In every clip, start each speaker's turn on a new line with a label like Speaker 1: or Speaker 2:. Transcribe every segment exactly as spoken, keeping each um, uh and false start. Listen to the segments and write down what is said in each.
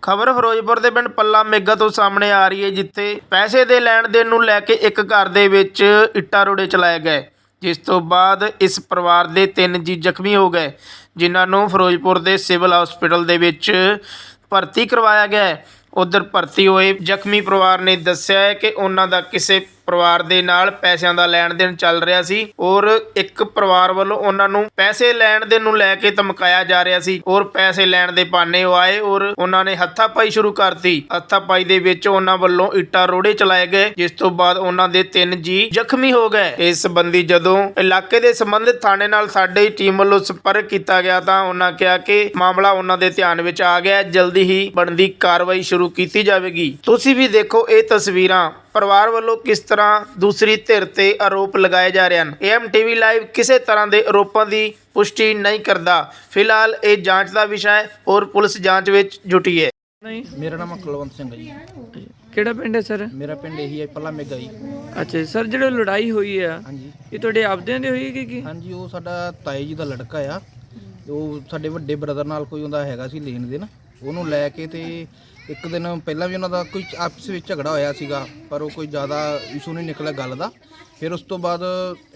Speaker 1: ਖਬਰ ਫਿਰੋਜ਼ਪੁਰ ਦੇ ਪਿੰਡ ਪੱਲਾ ਮੇਗਾ ਤੋਂ ਸਾਹਮਣੇ ਆ ਰਹੀ ਹੈ, ਜਿੱਥੇ ਪੈਸੇ ਦੇ ਲੈਣ ਦੇਣ ਨੂੰ ਲੈ ਕੇ ਇੱਕ ਘਰ ਦੇ ਵਿੱਚ ਇੱਟਾਂ ਰੋੜੇ ਚਲਾਏ ਗਏ, ਜਿਸ ਤੋਂ ਬਾਅਦ ਇਸ ਪਰਿਵਾਰ ਦੇ ਤਿੰਨ ਜੀ ਜ਼ਖਮੀ ਹੋ ਗਏ, ਜਿਨ੍ਹਾਂ ਨੂੰ ਫਿਰੋਜ਼ਪੁਰ ਦੇ ਸਿਵਲ ਹਸਪੀਟਲ ਦੇ ਵਿੱਚ ਭਰਤੀ ਕਰਵਾਇਆ ਗਿਆ ਹੈ। ਉਧਰ ਭਰਤੀ ਹੋਏ ਜ਼ਖਮੀ ਪਰਿਵਾਰ ਨੇ ਦੱਸਿਆ ਹੈ ਕਿ ਉਹਨਾਂ ਦਾ ਕਿਸੇ ਪਰਿਵਾਰ ਦੇ ਨਾਲ ਪੈਸਿਆਂ ਦਾ ਲੈਣ ਦੇਣ ਚੱਲ ਰਿਹਾ ਸੀ ਔਰ ਇੱਕ ਪਰਿਵਾਰ ਵੱਲੋਂ ਉਹਨਾਂ ਨੂੰ ਪੈਸੇ ਲੈਣ ਦੇਣ ਨੂੰ ਲੈ ਕੇ ਧਮਕਾਇਆ ਜਾ ਰਿਹਾ ਸੀ ਔਰ ਪੈਸੇ ਲੈਣ ਦੇ ਬਹਾਨੇ ਉਹ ਆਏ ਔਰ ਉਹਨਾਂ ਨੇ ਹੱਥਾਪਾਈ ਸ਼ੁਰੂ ਕਰਤੀ। ਹੱਥਾਪਾਈ ਦੇ ਵਿੱਚ ਉਹਨਾਂ ਵੱਲੋਂ ਇੱਟਾਂ ਰੋੜੇ ਚਲਾਏ ਗਏ, ਜਿਸ ਤੋਂ ਬਾਅਦ ਉਹਨਾਂ ਦੇ ਤਿੰਨ ਜੀ ਜ਼ਖਮੀ ਹੋ ਗਏ। ਇਸ ਸੰਬੰਧੀ ਜਦੋਂ ਇਲਾਕੇ ਦੇ ਸੰਬੰਧਿਤ ਥਾਣੇ ਨਾਲ ਸਾਡੀ ਟੀਮ ਵੱਲੋਂ ਸੰਪਰਕ ਕੀਤਾ ਗਿਆ ਤਾਂ ਉਹਨਾਂ ਕਿਹਾ ਕਿ ਮਾਮਲਾ ਉਹਨਾਂ ਦੇ ਧਿਆਨ ਵਿੱਚ ਆ ਗਿਆ, ਜਲਦੀ ਹੀ ਬਣਦੀ ਕਾਰਵਾਈ ਸ਼ੁਰੂ ਕੀਤੀ ਜਾਵੇਗੀ। ਤੁਸੀਂ ਵੀ ਦੇਖੋ ਇਹ ਤਸਵੀਰਾਂ, ਪਰਿਵਾਰ ਵੱਲੋਂ ਕਿਸ ਤਰ੍ਹਾਂ ਦੂਸਰੀ ਧਿਰ ਤੇ ਆਰੋਪ ਲਗਾਏ ਜਾ ਰਹੇ ਹਨ। ਏਐਮ ਟੀਵੀ ਲਾਈਵ ਕਿਸੇ ਤਰ੍ਹਾਂ ਦੇ ਆਰੋਪਾਂ ਦੀ ਪੁਸ਼ਟੀ ਨਹੀਂ ਕਰਦਾ। ਫਿਲਹਾਲ ਇਹ ਜਾਂਚ ਦਾ ਵਿਸ਼ਾ ਹੈ ਔਰ ਪੁਲਿਸ ਜਾਂਚ ਵਿੱਚ ਜੁਟੀ ਹੈ।
Speaker 2: ਨਹੀਂ,
Speaker 3: ਮੇਰਾ ਨਾਮ ਕੁਲਵੰਤ ਸਿੰਘ ਹੈ ਜੀ।
Speaker 2: ਕਿਹੜਾ ਪਿੰਡ ਹੈ ਸਰ?
Speaker 3: ਮੇਰਾ ਪਿੰਡ ਇਹੀ ਹੈ, ਪੱਲਾ ਮੇਗਾ ਜੀ।
Speaker 2: ਅੱਛਾ ਜੀ ਸਰ, ਜਿਹੜੀ ਲੜਾਈ ਹੋਈ ਆ
Speaker 3: ਹਾਂਜੀ
Speaker 2: ਇਹ ਤੁਹਾਡੇ ਆਪਦਿਆਂ ਦੀ ਹੋਈ ਕਿ ਕੀ?
Speaker 3: ਹਾਂਜੀ, ਉਹ ਸਾਡਾ ਤਾਏ ਜੀ ਦਾ ਲੜਕਾ ਆ। ਉਹ ਸਾਡੇ ਵੱਡੇ ਬ੍ਰਦਰ ਨਾਲ ਕੋਈ ਉਹਦਾ ਹੈਗਾ ਸੀ ਲੈਣ ਦੇਣ, ਉਹਨੂੰ ਲੈ ਕੇ ਤੇ ਇੱਕ ਦਿਨ ਪਹਿਲਾਂ ਵੀ ਉਹਨਾਂ ਦਾ ਕੋਈ ਆਪਸ ਵਿੱਚ ਝਗੜਾ ਹੋਇਆ ਸੀਗਾ, ਪਰ ਉਹ ਕੋਈ ਜ਼ਿਆਦਾ ਇਸ਼ੂ ਨਹੀਂ ਨਿਕਲਿਆ ਗੱਲ ਦਾ। ਫਿਰ ਉਸ ਤੋਂ ਬਾਅਦ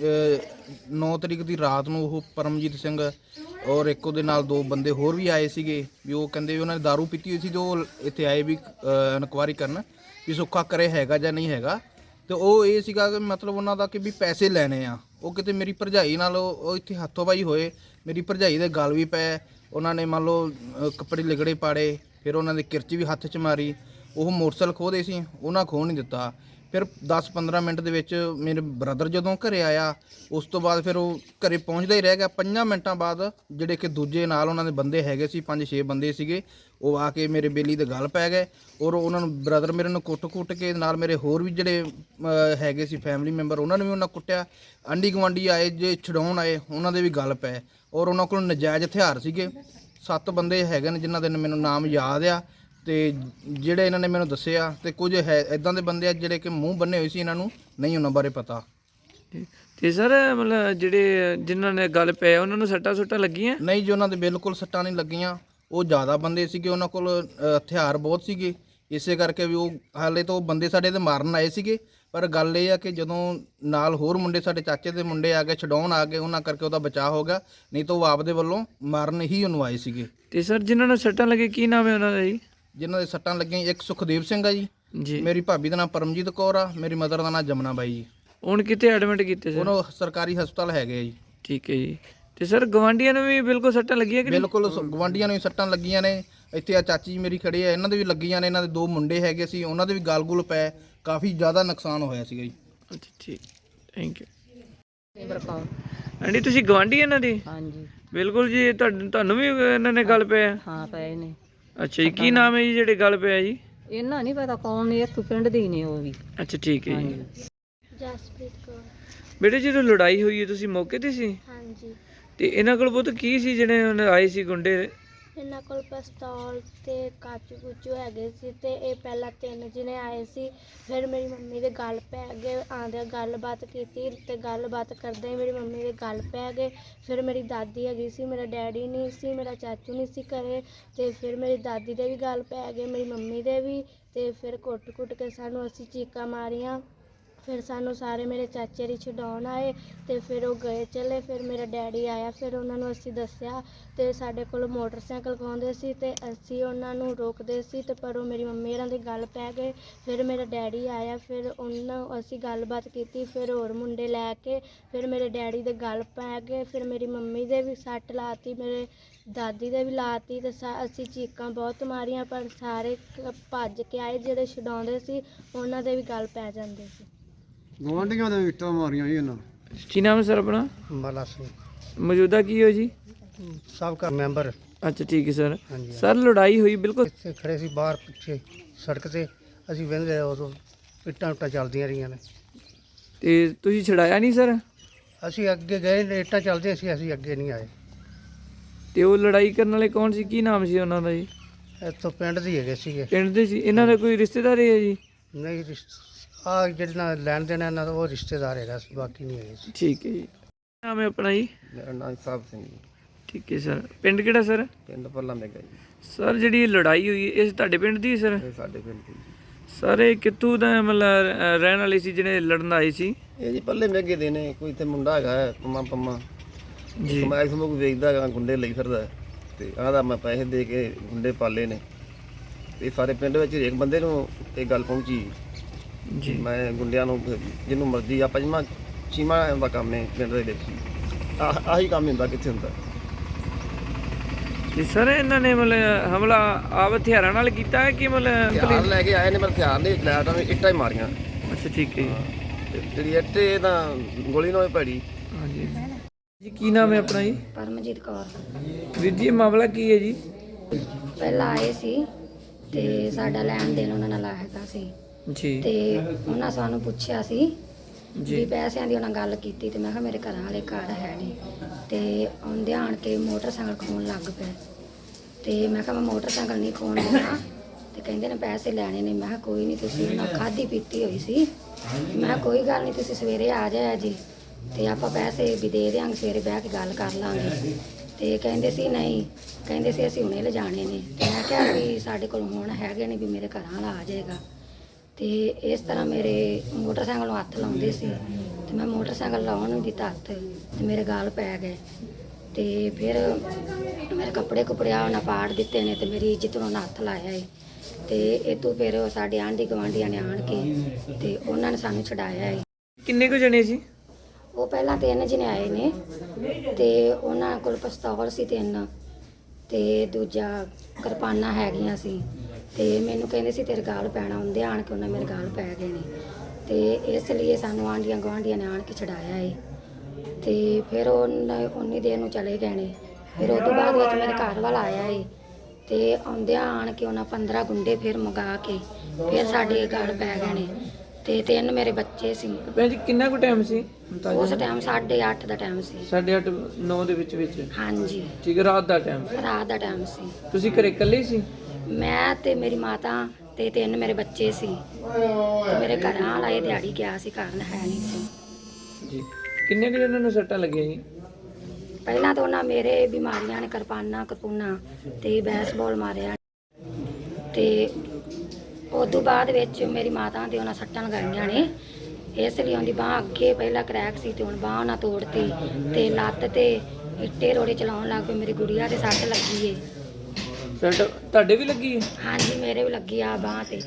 Speaker 3: ਨੌ ਤਰੀਕ ਦੀ ਰਾਤ ਨੂੰ ਉਹ ਪਰਮਜੀਤ ਸਿੰਘ ਔਰ ਇੱਕ ਉਹਦੇ ਨਾਲ ਦੋ ਬੰਦੇ ਹੋਰ ਵੀ ਆਏ ਸੀਗੇ, ਵੀ ਉਹ ਕਹਿੰਦੇ ਵੀ ਉਹਨਾਂ ਨੇ ਦਾਰੂ ਪੀਤੀ ਹੋਈ ਸੀ, ਤੇ ਉਹ ਇੱਥੇ ਆਏ ਵੀ ਇਨਕੁਆਇਰੀ ਕਰਨ ਵੀ ਸੁੱਖਾ ਕਰੇ ਹੈਗਾ ਜਾਂ ਨਹੀਂ ਹੈਗਾ। ਤੇ ਉਹ ਇਹ ਸੀਗਾ ਕਿ ਮਤਲਬ ਉਹਨਾਂ ਦਾ ਕਿ ਵੀ ਪੈਸੇ ਲੈਣੇ ਆ। ਉਹ ਕਿਤੇ ਮੇਰੀ ਭਰਜਾਈ ਨਾਲ ਉਹ ਇੱਥੇ ਹੱਥੋਂ-ਪਾਈ ਹੋਏ, ਮੇਰੀ ਭਰਜਾਈ ਦੇ ਗਲ ਵੀ ਪਏ। ਉਹਨਾਂ ਨੇ ਮੰਨ ਲਓ ਕੱਪੜੇ ਲਿਗੜੇ ਪਾੜੇ, ਫਿਰ ਉਹਨਾਂ ਦੇ ਕਿਰਚ ਵੀ ਹੱਥ 'ਚ ਮਾਰੀ। ਉਹ ਮੋਟਰਸਾਈਕਲ ਖੋਹਦੇ ਸੀ, ਉਹਨਾਂ ਖੋਹ ਨਹੀਂ ਦਿੱਤਾ। ਫਿਰ ਦਸ ਪੰਦਰਾਂ ਮਿੰਟ ਦੇ ਵਿੱਚ ਮੇਰੇ ਬ੍ਰਦਰ ਜਦੋਂ ਘਰੇ ਆਇਆ, ਉਸ ਤੋਂ ਬਾਅਦ ਫਿਰ ਉਹ ਘਰੇ ਪਹੁੰਚਦਾ ਹੀ ਰਹਿ ਗਿਆ। ਪੰਜਾਂ ਮਿੰਟਾਂ ਬਾਅਦ ਜਿਹੜੇ ਕਿ ਦੂਜੇ ਨਾਲ ਉਹਨਾਂ ਦੇ ਬੰਦੇ ਹੈਗੇ ਸੀ, ਪੰਜ ਛੇ ਬੰਦੇ ਸੀਗੇ, ਉਹ ਆ ਕੇ ਮੇਰੇ ਬੇਲੀ ਦੇ ਗਲ ਪੈ ਗਏ ਔਰ ਉਹਨਾਂ ਨੂੰ ਬ੍ਰਦਰ ਮੇਰੇ ਨੂੰ ਕੁੱਟ-ਕੁੱਟ ਕੇ, ਨਾਲ ਮੇਰੇ ਹੋਰ ਵੀ ਜਿਹੜੇ ਹੈਗੇ ਸੀ ਫੈਮਿਲੀ ਮੈਂਬਰ, ਉਹਨਾਂ ਨੂੰ ਵੀ ਉਹਨਾਂ ਕੁੱਟਿਆ। ਆਂਢੀ ਗੁਆਂਢੀ ਆਏ ਜੇ ਛਡਾਉਣ ਆਏ, ਉਹਨਾਂ ਦੇ ਵੀ ਗਲ ਪਏ ਔਰ ਉਹਨਾਂ ਕੋਲ ਨਜਾਇਜ਼ ਹਥਿਆਰ ਸੀਗੇ। ਸੱਤ ਬੰਦੇ ਹੈਗੇ ਨੇ ਜਿਨ੍ਹਾਂ ਦੇ ਮੈਨੂੰ ਨਾਮ ਯਾਦ ਆ, ਤੇ ਜਿਹੜੇ ਇਹਨਾਂ ਨੇ ਮੈਨੂੰ ਦੱਸਿਆ, ਤੇ ਕੁਝ ਹੈ ਇਦਾਂ ਦੇ ਬੰਦੇ ਆ ਜਿਹੜੇ ਕਿ ਮੂੰਹ ਬੰਨੇ ਹੋਏ ਸੀ, ਇਹਨਾਂ ਨੂੰ ਨਹੀਂ ਉਹਨਾਂ ਬਾਰੇ ਪਤਾ।
Speaker 2: ਤੇ ਸਰ ਮਤਲਬ ਜਿਹੜੇ ਜਿਨ੍ਹਾਂ ਨੇ ਗੱਲ ਪਏ ਉਹਨਾਂ ਨੂੰ ਸੱਟਾਂ ਸੁੱਟਾਂ ਲੱਗੀਆਂ?
Speaker 3: ਨਹੀਂ ਜੀ, ਉਹਨਾਂ ਦੇ ਬਿਲਕੁਲ ਸੱਟਾਂ ਨਹੀਂ ਲੱਗੀਆਂ। ਉਹ ਜ਼ਿਆਦਾ ਬੰਦੇ ਸੀਗੇ, ਉਹਨਾਂ ਕੋਲ ਹਥਿਆਰ ਬਹੁਤ ਸੀਗੇ, ਇਸੇ ਕਰਕੇ ਵੀ ਉਹ ਹਾਲੇ ਤਾਂ ਉਹ ਬੰਦੇ ਸਾਡੇ ਤੇ ਮਾਰਨ ਆਏ ਸੀਗੇ। ਪਰ ਗੱਲ ਇਹ ਆ ਕਿ ਜਦੋਂ ਨਾਲ ਹੋਰ ਮੁੰਡੇ ਸਾਡੇ ਚਾਚੇ ਦੇ ਮੁੰਡੇ ਆ ਗਏ, ਛਡਾਉਣ ਆ ਗਏ, ਉਹਨਾਂ ਕਰਕੇ ਉਹਦਾ ਬਚਾਅ ਹੋ ਗਿਆ, ਨਹੀਂ ਤਾਂ ਉਹ ਆਪਦੇ ਵੱਲੋਂ ਮਾਰਨ ਹੀ ਉਹਨੂੰ ਆਏ ਸੀਗੇ।
Speaker 2: ਤੇ ਸਰ ਜਿਨ੍ਹਾਂ ਨੂੰ ਸੱਟਾਂ ਲੱਗੇ ਕੀ ਨਾਮ ਹੈ ਉਹਨਾਂ ਦਾ ਜੀ?
Speaker 3: ਜਿਨ੍ਹਾਂ ਦੇ ਸੱਟਾਂ ਲੱਗੀਆਂ, ਇੱਕ ਸੁਖਦੇਵ ਸਿੰਘ ਆ ਜੀ,
Speaker 2: ਜੀ
Speaker 3: ਮੇਰੀ ਭਾਬੀ ਦਾ ਨਾਮ ਪਰਮਜੀਤ ਕੌਰ ਆ, ਮੇਰੀ ਮਦਰ ਦਾ ਨਾਮ ਜਮਨਾ ਬਾਈ ਜੀ।
Speaker 2: ਹੁਣ ਕਿੱਥੇ ਐਡਮਿਟ ਕੀਤੇ ਸਰ?
Speaker 3: ਉਹਨੂੰ ਸਰਕਾਰੀ ਹਸਪਤਾਲ ਹੈਗੇ ਆ ਜੀ।
Speaker 2: ਠੀਕ ਹੈ ਜੀ। ਤੇ ਸਰ ਗਵਾਂਢੀਆਂ ਨੂੰ ਵੀ ਬਿਲਕੁਲ ਸੱਟਾਂ ਲੱਗੀਆਂ ਕਿ?
Speaker 3: ਬਿਲਕੁਲ, ਗਵਾਂਢੀਆਂ ਨੂੰ ਵੀ ਸੱਟਾਂ ਲੱਗੀਆਂ ਨੇ। ਇੱਥੇ ਆ ਚਾਚੀ ਜੀ ਮੇਰੀ ਖੜੇ ਆ, ਇਹਨਾਂ ਦੇ ਵੀ ਲੱਗੀਆਂ ਨੇ। ਇਹਨਾਂ ਦੇ ਦੋ ਮੁੰਡੇ ਹੈਗੇ ਸੀ, ਉਹਨਾਂ ਦੇ ਵੀ ਗਲ ਗੁਲ ਪਏ, ਕਾਫੀ ਜ਼ਿਆਦਾ ਨੁਕਸਾਨ ਹੋਇਆ ਸੀਗਾ ਜੀ।
Speaker 2: ਅੱਛਾ ਠੀਕ, ਥੈਂਕ ਯੂ। ਆਂਟੀ ਤੁਸੀਂ ਗਵਾਂਢੀ ਇਹਨਾਂ ਦੀ?
Speaker 4: ਹਾਂਜੀ
Speaker 2: ਬਿਲਕੁਲ ਜੀ। ਤੁਹਾਨੂੰ ਤੁਹਾਨੂੰ ਵੀ ਇਹਨਾਂ ਨੇ ਗੱਲ ਪਿਆ?
Speaker 4: ਹਾਂ ਪਏ ਨੇ।
Speaker 2: ਅੱਛਾ ਜੀ, ਕੀ ਨਾਮ ਹੈ ਜੀ ਜਿਹੜੇ ਗੱਲ ਪਿਆ ਜੀ?
Speaker 4: ਇਹਨਾਂ ਨਹੀਂ ਪਤਾ ਕੌਣ ਨੇ, ਇੱਕ ਪਿੰਡ ਦੇ ਹੀ ਨੇ ਉਹ ਵੀ।
Speaker 2: ਅੱਛਾ ਠੀਕ ਹੈ ਜੀ।
Speaker 5: ਜਸਪ੍ਰੀਤ ਕੌਰ।
Speaker 2: ਬੇਟੇ ਜਦੋਂ ਲੜਾਈ ਹੋਈ ਹੈ ਤੁਸੀਂ ਮੌਕੇ ਤੇ ਸੀ?
Speaker 5: ਹਾਂਜੀ।
Speaker 2: ਤੇ ਇਹਨਾਂ ਕੋਲ ਬਹੁਤ ਕੀ ਸੀ ਜਿਹੜੇ ਹੁਣ ਆਏ ਸੀ ਗੁੰਡੇ?
Speaker 5: ਇਹਨਾਂ ਕੋਲ ਪਿਸਤੌਲ ਤੇ ਕਾਚੂ ਕੁਚੂ ਹੈਗੇ ਸੀ, ਤੇ ਇਹ ਪਹਿਲਾਂ ਤਿੰਨ ਜਿਹਨੇ ਆਏ ਸੀ। ਫਿਰ ਮੇਰੀ ਮੰਮੀ ਦੇ ਗੱਲ ਪੈ ਗਏ, ਆਂਦੇ ਗੱਲਬਾਤ ਕੀਤੀ, ਤੇ ਗੱਲਬਾਤ ਕਰਦੇ ਮੇਰੀ ਮੰਮੀ ਦੇ ਗੱਲ ਪੈ ਗਏ। ਫਿਰ ਮੇਰੀ ਦਾਦੀ ਹੈਗੀ ਸੀ, ਮੇਰਾ ਡੈਡੀ ਨਹੀਂ ਸੀ, ਮੇਰਾ ਚਾਚੂ ਨਹੀਂ ਸੀ ਘਰੇ, ਤੇ ਫਿਰ ਮੇਰੀ ਦਾਦੀ ਦੇ ਵੀ ਗੱਲ ਪੈ ਗਏ, ਮੇਰੀ ਮੰਮੀ ਦੇ ਵੀ। ਤੇ ਫਿਰ ਕੁੱਟ-ਕੁੱਟ ਕੇ ਸਾਨੂੰ ਅਸੀਂ ਚੀਕਾਂ ਮਾਰੀਆਂ। ਫਿਰ ਸਾਨੂੰ ਸਾਰੇ ਮੇਰੇ ਚਾਚੇ ਦੀ ਛਡਾਉਣ ਆਏ, ਤੇ ਫਿਰ ਉਹ ਗਏ ਚਲੇ। ਫਿਰ ਮੇਰਾ ਡੈਡੀ ਆਇਆ, ਫਿਰ ਉਹਨਾਂ ਨੂੰ ਅਸੀਂ ਦੱਸਿਆ, ਤੇ ਸਾਡੇ ਕੋਲ ਮੋਟਰਸਾਈਕਲ ਖੋਹਦੇ ਸੀ, ਤੇ ਅਸੀਂ ਉਹਨਾਂ ਨੂੰ ਰੋਕਦੇ ਸੀ, ਤੇ ਪਰ ਉਹ ਮੇਰੀ ਮੰਮੀ ਇਹਨਾਂ ਦੀ ਗੱਲ ਪੈ ਗਏ। ਫਿਰ ਮੇਰਾ ਡੈਡੀ ਆਇਆ, ਫਿਰ ਉਹਨਾਂ ਅਸੀਂ ਗੱਲਬਾਤ ਕੀਤੀ, ਫਿਰ ਹੋਰ ਮੁੰਡੇ ਲੈ ਕੇ ਫਿਰ ਮੇਰੇ ਡੈਡੀ ਦੇ ਗੱਲ ਪੈ ਗਏ। ਫਿਰ ਮੇਰੀ ਮੰਮੀ ਦੇ ਵੀ ਸੱਟ ਲਾਤੀ, ਮੇਰੇ ਦਾਦੀ ਦੇ ਵੀ ਲਾਤੀ, ਤੇ ਅਸੀਂ ਚੀਕਾਂ ਬਹੁਤ ਮਾਰੀਆਂ, ਪਰ ਸਾਰੇ ਭੱਜ ਕੇ ਆਏ। ਜਿਹੜੇ ਛਡਾਉਂਦੇ ਸੀ ਉਹਨਾਂ ਦੇ ਵੀ ਗੱਲ ਪੈ ਜਾਂਦੇ ਸੀ।
Speaker 6: ਗਵਾਂਢੀਆਂ ਦੇ ਇੱਟਾਂ ਮਾਰੀਆਂ ਜੀ ਇਹਨਾਂ।
Speaker 2: ਕੀ ਨਾਮ ਹੈ ਸਰ ਆਪਣਾ?
Speaker 6: ਬਾਲਾ ਸਿੰਘ।
Speaker 2: ਮੌਜੂਦਾ ਕੀ ਹੋ ਜੀ?
Speaker 6: ਸਾਬਕਾ ਮੈਂਬਰ।
Speaker 2: ਅੱਛਾ ਠੀਕ ਹੈ ਸਰ।
Speaker 6: ਹਾਂਜੀ।
Speaker 2: ਸਰ ਲੜਾਈ ਹੋਈ ਬਿਲਕੁਲ
Speaker 6: ਇੱਥੇ ਖੜੇ ਸੀ ਬਾਹਰ ਪਿੱਛੇ ਸੜਕ ਤੇ, ਅਸੀਂ ਵਹਿੰਦੇ ਰਹੇ, ਉਦੋਂ ਇੱਟਾਂ ਉੱਟਾਂ ਚੱਲਦੀਆਂ ਰਹੀਆਂ ਨੇ।
Speaker 2: ਤੇ ਤੁਸੀਂ ਛਡਾਇਆ ਨਹੀਂ ਸਰ?
Speaker 6: ਅਸੀਂ ਅੱਗੇ ਗਏ ਨੇ, ਇੱਟਾਂ ਚੱਲਦੀਆਂ ਸੀ, ਅਸੀਂ ਅੱਗੇ ਨਹੀਂ ਆਏ।
Speaker 2: ਤੇ ਉਹ ਲੜਾਈ ਕਰਨ ਵਾਲੇ ਕੌਣ ਸੀ, ਕੀ ਨਾਮ ਸੀ ਉਹਨਾਂ ਦਾ ਜੀ?
Speaker 6: ਇੱਥੋਂ ਪਿੰਡ ਦੇ ਹੈਗੇ ਸੀਗੇ।
Speaker 2: ਪਿੰਡ ਦੇ ਸੀ? ਇਹਨਾਂ ਦਾ ਕੋਈ ਰਿਸ਼ਤੇਦਾਰ ਹੈ ਜੀ?
Speaker 6: ਨਹੀਂ, ਆ ਜਿਹੜੇ ਨਾਲ ਲੈਣ ਦੇਣ ਇਹਨਾਂ ਦਾ ਉਹ ਰਿਸ਼ਤੇਦਾਰ ਹੈਗਾ ਸੀ, ਬਾਕੀ ਨਹੀਂ ਹੈਗੇ ਸੀ।
Speaker 2: ਠੀਕ ਹੈ ਜੀ। ਨਾਮ ਹੈ ਆਪਣਾ ਜੀ?
Speaker 7: ਮੇਰਾ ਨਾਮ ਸਾਹਿਬ ਸਿੰਘ ਜੀ।
Speaker 2: ਠੀਕ ਹੈ ਸਰ। ਪਿੰਡ ਕਿਹੜਾ ਸਰ?
Speaker 7: ਪਿੰਡ ਪੱਲਾ ਮੇਗਾ ਜੀ।
Speaker 2: ਸਰ ਜਿਹੜੀ ਇਹ ਲੜਾਈ ਹੋਈ ਇਹ ਤੁਹਾਡੇ ਪਿੰਡ ਦੀ ਸਰ?
Speaker 7: ਇਹ ਸਾਡੇ ਪਿੰਡ ਦੀ
Speaker 2: ਸਰ ਇਹ ਕਿੱਥੋਂ ਦਾ ਮਤਲਬ ਅਹ, ਰਹਿਣ ਵਾਲੇ ਸੀ ਜਿਹੜੇ ਲੜਨ ਆਏ ਸੀ?
Speaker 7: ਇਹ ਜੀ ਪੱਲੇ ਮੇਗੇ ਦੇ ਨੇ। ਕੋਈ ਇੱਥੇ ਮੁੰਡਾ ਹੈਗਾ ਹੈ, ਪੰਮਾ ਪੰਮਾ
Speaker 2: ਜੀ
Speaker 7: ਸਮੈਕ ਸਮੂਕ ਵੇਚਦਾ ਹੈਗਾ, ਗੁੰਡੇ ਲਈ ਫਿਰਦਾ ਹੈ। ਤੇ ਆਹਦਾ ਮੈਂ ਪੈਸੇ ਦੇ ਕੇ ਗੁੰਡੇ ਪਾਲੇ ਨੇ। ਤੇ ਸਾਰੇ ਪਿੰਡ ਵਿੱਚ ਹਰੇਕ ਬੰਦੇ ਨੂੰ ਇਹ ਗੱਲ ਪਹੁੰਚੀ।
Speaker 2: ਜੀ
Speaker 7: ਮੈਂ ਗੁੰਡਿਆਂ ਨੂੰ ਫਿਰ ਜਿਹਨੂੰ ਮਰਜ਼ੀ ਆ ਪੰਜਵਾਂ ਛੀਵਾਂ ਦਾ ਕੰਮ ਹੈ ਪਿੰਡ ਦੇ ਵਿੱਚ। ਆਹ ਆਹੀ ਕੰਮ ਹੁੰਦਾ, ਕਿੱਥੇ ਹੁੰਦਾ।
Speaker 2: ਤੇ ਸਰ ਇਹਨਾਂ ਨੇ ਮਤਲਬ ਹਮਲਾ ਆਪ ਹਥਿਆਰਾਂ ਨਾਲ ਕੀਤਾ ਹੈ ਕਿ ਮਤਲਬ?
Speaker 7: ਹਥਿਆਰ ਲੈ ਕੇ ਆਏ ਨੇ, ਪਰ ਹਥਿਆਰ ਨਹੀਂ ਲੈ ਤਾਂ ਇੱਟਾਂ ਹੀ ਮਾਰੀਆਂ।
Speaker 2: ਅੱਛਾ ਠੀਕ ਹੈ ਜੀ।
Speaker 7: ਤੇ ਜਿਹੜੀ ਇੱਟ ਇਹ ਤਾਂ ਗੋਲੀ ਨਾਲ ਹੀ ਭੈੜੀ।
Speaker 2: ਹਾਂਜੀ ਜੀ ਕੀ ਨਾਮ ਹੈ ਆਪਣਾ ਜੀ?
Speaker 8: ਪਰਮਜੀਤ ਕੌਰ।
Speaker 2: ਵੀਰ ਜੀ ਇਹ ਮਾਮਲਾ ਕੀ ਹੈ ਜੀ?
Speaker 8: ਪਹਿਲਾਂ ਆਏ ਸੀ ਤੇ ਸਾਡਾ ਲੈਣ ਦੇਣ ਉਹਨਾਂ ਨਾਲ ਹੈਗਾ ਸੀ
Speaker 2: ਜੀ
Speaker 8: ਤੇ ਉਹਨਾਂ ਸਾਨੂੰ ਪੁੱਛਿਆ ਸੀ ਵੀ
Speaker 2: ਜੀ
Speaker 8: ਪੈਸਿਆਂ ਦੀ ਉਹਨਾਂ ਗੱਲ ਕੀਤੀ ਤੇ ਮੈਂ ਕਿਹਾ ਮੇਰੇ ਘਰਾਂ ਵਾਲੇ ਘਰ ਹੈ ਨਹੀਂ ਤੇ ਆਉਂਦੇ ਆਣ ਕੇ ਮੋਟਰਸਾਈਕਲ ਖੋਣ ਲੱਗ ਪਏ ਤੇ ਮੈਂ ਕਿਹਾ ਮੈਂ ਮੋਟਰਸਾਈਕਲ ਨਹੀਂ ਖੋਣ ਦੇਣਾ ਤੇ ਕਹਿੰਦੇ ਨੇ ਪੈਸੇ ਲੈਣੇ ਨੇ। ਮੈਂ ਕਿਹਾ ਕੋਈ ਨਹੀਂ, ਤੁਸੀਂ ਉਹਨਾਂ ਖਾਧੀ ਪੀਤੀ ਹੋਈ ਸੀ। ਮੈਂ ਕਿਹਾ ਕੋਈ ਗੱਲ ਨਹੀਂ, ਤੁਸੀਂ ਸਵੇਰੇ ਆ ਜਾਇਆ ਜੀ ਤੇ ਆਪਾਂ ਪੈਸੇ ਵੀ ਦੇ ਦਿਆਂਗੇ, ਸਵੇਰੇ ਬਹਿ ਕੇ ਗੱਲ ਕਰ ਲਾਂਗੇ। ਤੇ ਕਹਿੰਦੇ ਸੀ ਨਹੀਂ, ਕਹਿੰਦੇ ਸੀ ਅਸੀਂ ਹੁਣੇ ਲਿਜਾਣੇ ਨੇ। ਤੇ ਮੈਂ ਕਿਹਾ ਵੀ ਸਾਡੇ ਕੋਲ ਹੁਣ ਹੈਗੇ ਨੇ, ਵੀ ਮੇਰੇ ਘਰਾਂ ਵਾਲਾ ਆ ਜਾਏਗਾ। ਤੇ ਇਸ ਤਰ੍ਹਾਂ ਮੇਰੇ ਮੋਟਰਸਾਈਕਲ ਨੂੰ ਹੱਥ ਲਾਉਂਦੇ ਸੀ ਤੇ ਮੈਂ ਮੋਟਰਸਾਈਕਲ ਲਾਉਣ ਨੂੰ ਦਿੱਤਾ ਹੱਥ ਤੇ ਮੇਰੇ ਗਾਲ ਪੈ ਗਏ ਤੇ ਫਿਰ ਮੇਰੇ ਕੱਪੜੇ ਕੁਪੜਿਆ ਉਹਨਾਂ ਪਾੜ ਦਿੱਤੇ ਨੇ ਤੇ ਮੇਰੀ ਇੱਜ਼ਤ ਨੂੰ ਉਹਨਾਂ ਹੱਥ ਲਾਇਆ ਏ। ਤੇ ਇਹ ਤੋਂ ਫਿਰ ਸਾਡੇ ਆਂਢੀ ਗੁਆਂਢੀਆਂ ਨੇ ਆਣ ਕੇ ਤੇ ਉਹਨਾਂ ਨੇ ਸਾਨੂੰ ਛਡਾਇਆ ਏ।
Speaker 2: ਕਿੰਨੇ ਕੁ ਜਣੇ ਸੀ?
Speaker 8: ਉਹ ਪਹਿਲਾਂ ਤਿੰਨ ਜਣੇ ਆਏ ਨੇ ਤੇ ਉਹਨਾਂ ਕੋਲ ਪਿਸਤੌਲ ਸੀ ਤਿੰਨ ਤੇ ਦੂਜਾ ਕਿਰਪਾਨਾਂ ਹੈਗੀਆਂ ਸੀ ਤੇ ਮੈਨੂੰ ਕਹਿੰਦੇ ਸੀ ਤੇਰੇ ਗਾਲ ਪੈਣਾ। ਹੁੰਦੇ ਆਣ ਕੇ ਉਹਨਾਂ ਮੇਰੇ ਗਾਲ ਪੈ ਗਏ ਨੇ ਤੇ ਇਸ ਲਈ ਸਾਨੂੰ ਆਂਢੀਆਂ ਗੁਆਂਢੀਆਂ ਨੇ ਆਣ ਕੇ ਛਡਾਇਆ ਏ। ਤੇ ਫਿਰ ਉਹਨਾਂ ਉਨੀ ਦੇਰ ਨੂੰ ਚਲੇ ਗਏ ਨੇ। ਫਿਰ ਉਸ ਤੋਂ ਬਾਅਦ ਵਿੱਚ ਮੇਰੇ ਘਰ ਵਾਲਾ ਆਇਆ ਏ ਤੇ ਆਉਂਦਿਆਂ ਆਣ ਕੇ ਉਹਨਾਂ ਪੰਦਰਾਂ ਗੁੰਡੇ ਫਿਰ ਮੰਗਾ ਕੇ ਫਿਰ ਸਾਡੇ ਗਾਲ ਪੈ ਗਏ ਨੇ ਤੇ ਤਿੰਨ ਮੇਰੇ ਬੱਚੇ ਸੀ।
Speaker 2: ਭੈਣ ਜੀ ਕਿੰਨਾ ਕੁ ਟਾਈਮ ਸੀ?
Speaker 8: ਉਸ ਟਾਈਮ ਸਾਢੇ ਅੱਠ ਦਾ ਟਾਈਮ ਸੀ।
Speaker 2: ਸਾਢੇ ਅੱਠ ਨੌ ਦੇ ਵਿੱਚ ਵਿੱਚ?
Speaker 8: ਹਾਂਜੀ,
Speaker 2: ਠੀਕ ਹੈ, ਰਾਤ ਦਾ ਟਾਈਮ ਸੀ।
Speaker 8: ਰਾਤ ਦਾ ਟਾਈਮ ਸੀ।
Speaker 2: ਤੁਸੀਂ ਘਰੇ ਇਕੱਲੇ ਹੀ ਸੀ?
Speaker 8: ਮੈਂ ਤੇ ਮੇਰੀ ਮਾਤਾ ਤੇ ਤਿੰਨ ਮੇਰੇ ਬੱਚੇ ਸੀ ਤੇ ਮੇਰੇ ਘਰਾਂ ਵਾਲਾ ਇਹ ਦਿਹਾੜੀ ਗਿਆ ਸੀ, ਘਰ ਹੈ ਨਹੀਂ ਸੀ।
Speaker 2: ਜੀ ਕਿੰਨੇ ਕੁ ਜਣਾਂ ਨੂੰ ਸੱਟਾਂ ਲੱਗੀਆਂ ਜੀ?
Speaker 8: ਪਹਿਲਾਂ ਤਾਂ ਉਹਨਾਂ ਮੇਰੇ ਬਿਮਾਰੀਆਂ ਨੇ ਕਿਰਪਾਨਾਂ ਕਪੂਨਾ ਤੇ ਬੈਸਬਾਲ ਮਾਰਿਆ ਤੇ ਉਸ ਤੋਂ ਬਾਅਦ ਵਿੱਚ ਮੇਰੀ ਮਾਤਾ ਦੇ ਉਹਨਾਂ ਸੱਟਾਂ ਲਗਾਈਆਂ ਨੇ। ਇਸ ਲਈ ਉਹਦੀ ਬਾਂਹ ਅੱਗੇ ਪਹਿਲਾਂ ਕਰੈਕ ਸੀ ਤੇ ਹੁਣ ਬਾਂਹ ਉਹਨਾਂ ਤੋੜਤੀ ਤੇ ਲੱਤ ਤੇ ਇੱਟੇ ਰੋੜੇ ਚਲਾਉਣ ਲੱਗ ਪਏ। ਮੇਰੀ ਗੁੜੀਆ ਦੇ ਸੱਟ ਲੱਗੀ ਏ।
Speaker 2: ਸੱਟ ਤੁਹਾਡੇ ਵੀ ਲੱਗੀ ਹੈ?
Speaker 8: ਹਾਂਜੀ, ਮੇਰੇ ਵੀ ਲੱਗੀ ਆ ਬਾਂਹ ਤੇ।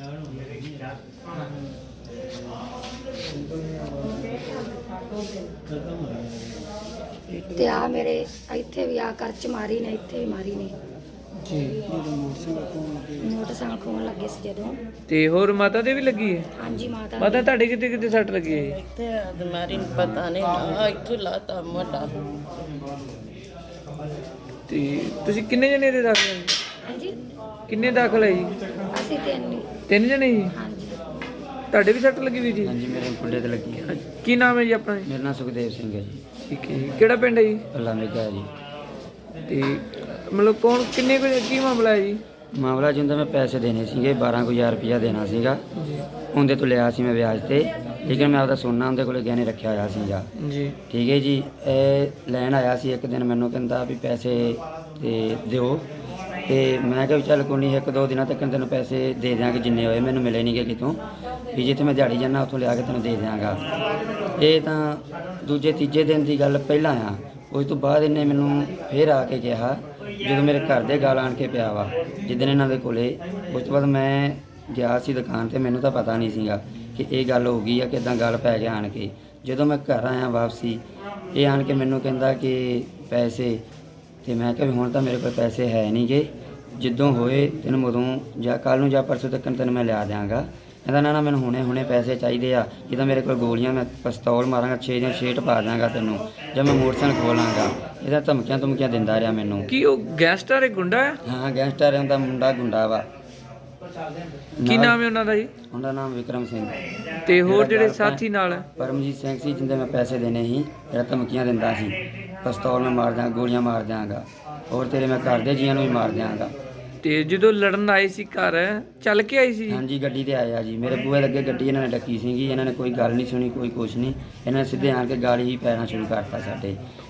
Speaker 8: ਤੇ ਆ ਮੇਰੇ ਇੱਥੇ ਵੀ ਆ ਕਰਚ ਮਾਰੀ ਨੇ, ਇੱਥੇ ਵੀ ਮਾਰੀ ਨੇ।
Speaker 2: ਜੀ
Speaker 8: ਮੋਟਰਸਾਈਕਲ ਖੋਣ ਲੱਗੇ ਸੀ ਜਦੋਂ।
Speaker 2: ਤੇ ਹੋਰ ਮਾਤਾ ਦੇ ਵੀ ਲੱਗੀ ਹੈ?
Speaker 8: ਹਾਂਜੀ, ਮਾਤਾ
Speaker 2: ਮਾਤਾ ਤੁਹਾਡੇ ਕਿਤੇ ਕਿਤੇ ਸੱਟ ਲੱਗੀ ਹੈ ਜੀ?
Speaker 9: ਤੇ ਬਿਮਾਰੀ ਨੂੰ ਪਤਾ ਨਹੀਂ ਨਾ ਇੱਥੋਂ ਲਾਤਾ ਮੋਟਾ।
Speaker 2: ਤੇ ਤੁਸੀਂ ਕਿੰਨੇ ਜਣੇ ਦੇ ਦਾਖਲ ਹੈ ਜੀ?
Speaker 8: ਹਾਂਜੀ,
Speaker 2: ਕਿੰਨੇ ਦਾਖਲ ਹੈ ਜੀ?
Speaker 8: ਅਸੀਂ ਤਿੰਨ ਹੀ।
Speaker 2: ਤਿੰਨ ਜਣੇ ਜੀ?
Speaker 8: ਹਾਂਜੀ,
Speaker 2: ਤੁਹਾਡੇ ਵੀ ਸੱਟ ਲੱਗੀ ਵੀ ਜੀ?
Speaker 10: ਹਾਂਜੀ, ਮੇਰੇ ਕੁੰਡੇ ਤੇ ਲੱਗੀ ਹੈ।
Speaker 2: ਕੀ ਨਾਮ ਹੈ ਜੀ ਆਪਣਾ ਜੀ?
Speaker 10: ਮੇਰਾ ਨਾਮ ਸੁਖਦੇਵ ਸਿੰਘ ਹੈ ਜੀ।
Speaker 2: ਠੀਕ ਹੈ ਜੀ। ਕਿਹੜਾ ਪਿੰਡ ਹੈ ਜੀ?
Speaker 10: ਪੱਲਾ ਮੇਗਾ ਜੀ।
Speaker 2: ਤੇ ਮਤਲਬ ਕੌਣ ਕਿੰਨੇ ਕੁ ਕੀ ਮਾਮਲਾ ਹੈ ਜੀ?
Speaker 10: ਮਾਮਲਾ ਜਿੰਦਾ ਮੈਂ ਪੈਸੇ ਦੇਣੇ ਸੀਗੇ, ਬਾਰਾਂ ਕੁ ਹਜ਼ਾਰ ਰੁਪਇਆ ਦੇਣਾ ਸੀਗਾ। ਉਹਦੇ ਤੋਂ ਲਿਆ ਸੀ ਮੈਂ ਵਿਆਜ ਤੇ, ਲੇਕਿਨ ਮੈਂ ਆਪਦਾ ਸੋਨਾ ਉਹਦੇ ਕੋਲ ਗਹਿਣੇ ਰੱਖਿਆ ਹੋਇਆ ਸੀਗਾ।
Speaker 2: ਜੀ
Speaker 10: ਠੀਕ ਹੈ ਜੀ। ਇਹ ਲੈਣ ਆਇਆ ਸੀ ਇੱਕ ਦਿਨ, ਮੈਨੂੰ ਕਹਿੰਦਾ ਵੀ ਪੈਸੇ ਤੇ ਦਿਓ ਤੇ ਮੈਂ ਕਿਹਾ ਵੀ ਚੱਲ ਕੋਈ ਨਹੀਂ, ਇੱਕ ਦੋ ਦਿਨਾਂ ਤੱਕ ਤੈਨੂੰ ਪੈਸੇ ਦੇ ਦਿਆਂਗੇ ਜਿੰਨੇ ਹੋਏ। ਮੈਨੂੰ ਮਿਲੇ ਨਹੀਂ ਗੇ ਕਿਤੋਂ, ਵੀ ਜਿੱਥੇ ਮੈਂ ਦਿਹਾੜੀ ਜਾਂਦਾ ਉੱਥੋਂ ਲਿਆ ਕੇ ਤੈਨੂੰ ਦੇ ਦਿਆਂਗਾ। ਇਹ ਤਾਂ ਦੂਜੇ ਤੀਜੇ ਦਿਨ ਦੀ ਗੱਲ ਪਹਿਲਾਂ ਆ। ਉਸ ਤੋਂ ਬਾਅਦ ਇਹਨੇ ਮੈਨੂੰ ਫੇਰ ਆ ਕੇ ਕਿਹਾ, ਜਦੋਂ ਮੇਰੇ ਘਰ ਦੇ ਗਾਲ ਆਣ ਕੇ ਪਿਆ ਵਾ ਜਿੱਦਣ ਇਹਨਾਂ ਦੇ ਕੋਲੇ। ਉਸ ਤੋਂ ਬਾਅਦ ਮੈਂ ਗਿਆ ਸੀ ਦੁਕਾਨ ਤੇ, ਮੈਨੂੰ ਤਾਂ ਪਤਾ ਨਹੀਂ ਸੀਗਾ ਕਿ ਇਹ ਗੱਲ ਹੋ ਗਈ ਆ, ਕਿੱਦਾਂ ਗੱਲ ਪੈ ਗਿਆ ਆਣ ਕੇ। ਜਦੋਂ ਮੈਂ ਘਰ ਆਇਆ ਵਾਪਸੀ, ਇਹ ਆਣ ਕੇ ਮੈਨੂੰ ਕਹਿੰਦਾ ਕਿ ਪੈਸੇ, ਤੇ ਮੈਂ ਕਿਹਾ ਵੀ ਹੁਣ ਤਾਂ ਮੇਰੇ ਕੋਲ ਪੈਸੇ ਹੈ ਨਹੀਂ ਗੇ, ਜਿੱਦੋਂ ਹੋਏ ਤੈਨੂੰ ਉਦੋਂ ਜਾਂ ਕੱਲ੍ਹ ਨੂੰ ਜਾਂ ਪਰਸੋਂ ਤੱਕ ਤੈਨੂੰ ਮੈਂ ਲਿਆ ਦਿਆਂਗਾ। ਕਹਿੰਦਾ ਨਾ ਨਾ ਮੈਨੂੰ ਹੁਣੇ ਹੁਣੇ ਪੈਸੇ ਚਾਹੀਦੇ ਆ, ਇਹ ਤਾਂ ਮੇਰੇ ਕੋਲ ਗੋਲੀਆਂ, ਮੈਂ ਪਿਸਤੌਲ ਮਾਰਾਂਗਾ, ਛੇ ਦੀਆਂ ਛੇਟ ਪਾ ਦਾਂਗਾ ਤੈਨੂੰ, ਜਾਂ ਮੈਂ ਮੋਟਰਸਾਈਕਲ ਖੋਲਾਂਗਾ। ਇਹਦਾ ਧਮਕੀਆਂ ਧਮਕੀਆਂ ਦਿੰਦਾ ਰਿਹਾ ਮੈਨੂੰ।
Speaker 2: ਕੀ ਉਹ ਗੈਂਗਸਟਰ ਹੈ, ਗੁੰਡਾ ਹੈ?
Speaker 10: ਹਾਂ, ਗੈਂਗਸਟਰ ਹੁੰਦਾ, ਮੁੰਡਾ ਗੁੰਡਾ ਵਾ।
Speaker 2: ਕੀ ਨਾਮ ਹੈ ਉਹਨਾਂ ਦਾ ਜੀ?
Speaker 10: ਉਹਦਾ ਨਾਮ ਵਿਕਰਮ ਸਿੰਘ।
Speaker 2: ਤੇ ਹੋਰ ਜਿਹੜੇ ਸਾਥੀ ਨਾਲ ਹੈ?
Speaker 10: ਪਰਮਜੀਤ ਸਿੰਘ ਸੀ, ਜਿੰਦੇ ਮੈਂ ਪੈਸੇ ਦੇਣੇ ਸੀ, ਜਿਹੜਾ ਧਮਕੀਆਂ ਦਿੰਦਾ ਸੀ, ਪਿਸਤੌਲ ਮੈਂ ਮਾਰ ਦਿਆਂਗਾ, ਗੋਲੀਆਂ ਮਾਰ ਦਿਆਂਗਾ, ਹੋਰ ਤੇਰੇ ਮੈਂ ਘਰ ਦੇ ਜੀਆਂ ਨੂੰ ਵੀ ਮਾਰ ਦਿਆਂਗਾ।
Speaker 2: ਤੇ ਜਦੋਂ ਲੜਨ ਆਏ ਸੀ ਘਰ, ਚੱਲ ਕੇ ਆਈ ਸੀ?
Speaker 10: ਹਾਂਜੀ, ਗੱਡੀ ਤੇ ਆਇਆ ਜੀ। ਮੇਰੇ ਬੂਹੇ ਲੱਗੇ ਗੱਡੀ ਇਹਨਾਂ ਨੇ ਡੱਕੀ ਸੀਗੀ। ਇਹਨਾਂ ਨੇ ਕੋਈ ਗੱਲ ਨਹੀਂ ਸੁਣੀ, ਕੋਈ ਕੁਛ ਨਹੀਂ। ਇਹਨਾਂ ਨੇ ਸਿੱਧੇ ਆਣ ਕੇ ਗਾਲੀ ਹੀ ਪੈਣਾ ਸ਼ੁਰੂ ਕਰਤਾ ਸਾਡੇ।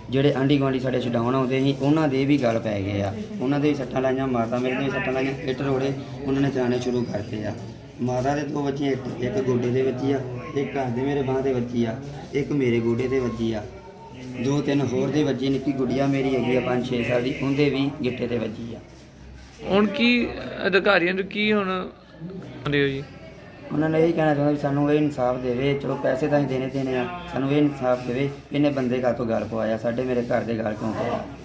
Speaker 10: ਜਿਹੜੇ ਆਂਢੀ ਗੁਆਂਢੀ ਸਾਡੇ ਛਡਾਉਣ ਆਉਂਦੇ ਸੀ ਉਹਨਾਂ ਦੇ ਵੀ ਗੱਲ ਪੈ ਗਏ ਆ, ਉਹਨਾਂ ਦੇ ਵੀ ਸੱਟਾਂ ਲਾਈਆਂ, ਮਾਤਾ ਮੇਰੇ ਦੇ ਵੀ ਸੱਟਾਂ ਲਾਈਆਂ, ਇੱਟ ਰੋੜੇ ਉਹਨਾਂ ਨੇ ਚਲਾਉਣੇ ਸ਼ੁਰੂ ਕਰਤੇ ਆ। ਮਾਤਾ ਦੇ ਦੋ ਵੱਜੀਆਂ, ਇੱਕ ਇੱਕ ਗੋਡੇ ਦੇ ਵੱਜੀ ਆ, ਇੱਕ ਘਰ ਦੇ ਮੇਰੇ ਬਾਂਹ ਤੇ ਵੱਜੀ ਆ, ਇੱਕ ਮੇਰੇ ਗੋਡੇ ਤੇ ਵੱਜੀ ਆ, ਦੋ ਤਿੰਨ ਹੋਰ ਦੇ ਵੱਜੀ। ਨਿੱਕੀ ਗੁੜੀਆ ਮੇਰੀ ਹੈਗੀ ਆ ਪੰਜ ਛੇ ਸਾਲ ਦੀ, ਉਹਦੇ ਵੀ ਗਿੱਟੇ ਤੇ ਵੱਜੀ ਆ।
Speaker 2: ਹੁਣ ਕੀ ਅਧਿਕਾਰੀਆਂ ਨੂੰ ਕੀ ਹੁਣ ਆਉਂਦੇ ਹੋ ਜੀ?
Speaker 10: ਉਹਨਾਂ ਨੇ ਇਹੀ ਕਹਿਣਾ ਚਾਹੁੰਦਾ ਵੀ ਸਾਨੂੰ ਇਹ ਇਨਸਾਫ ਦੇਵੇ। ਚਲੋ ਪੈਸੇ ਤਾਂ ਅਸੀਂ ਦੇਣੇ ਦੇਣੇ ਆ, ਸਾਨੂੰ ਇਹ ਇਨਸਾਫ ਦੇਵੇ। ਇਹਨੇ ਬੰਦੇ ਕਾਹਤੋਂ ਗੱਲ ਪਵਾਇਆ, ਸਾਡੇ ਮੇਰੇ ਘਰ ਦੇ ਗੱਲ ਕਿਉਂ ਪਾਇਆ।